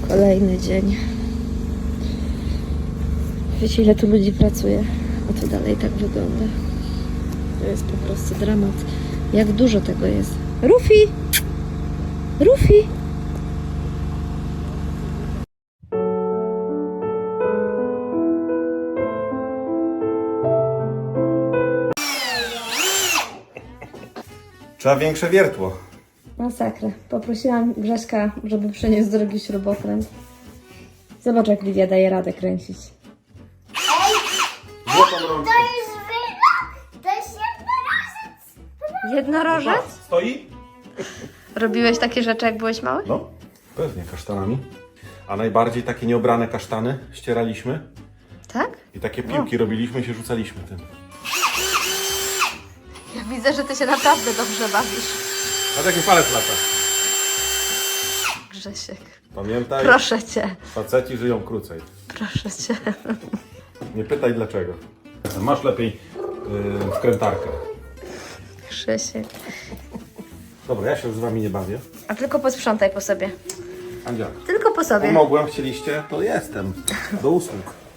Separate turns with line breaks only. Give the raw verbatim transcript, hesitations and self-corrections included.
Kolejny dzień. Wiecie, ile tu ludzi pracuje? A to dalej tak wygląda. To jest po prostu dramat. Jak dużo tego jest. Rufi! Rufi!
Trzeba większe wiertło.
Masakra. Poprosiłam Grześka, żeby przyniósł drugi śrubokręt. Zobacz, jak Lidia daje radę kręcić.
Złotą rączkę.
To jest wyrok! To jest jednorożec!
Jednorożec?
Stoi?
Robiłeś takie rzeczy, jak byłeś mały?
No, pewnie kasztanami. A najbardziej takie nieobrane kasztany ścieraliśmy
Tak?
i takie piłki robiliśmy i się rzucaliśmy tym.
Ja widzę, że ty się naprawdę dobrze bawisz.
A taki palec lata.
Grzesiek,
Pamiętaj,
proszę cię,
faceci żyją krócej.
proszę cię.
Nie pytaj dlaczego. Masz lepiej yy, wkrętarkę.
Grzesiek.
Dobra, ja się już z wami nie bawię.
A tylko posprzątaj po sobie.
Andzia,
Tylko po sobie.
pomogłem, chcieliście? To jestem. Do usług.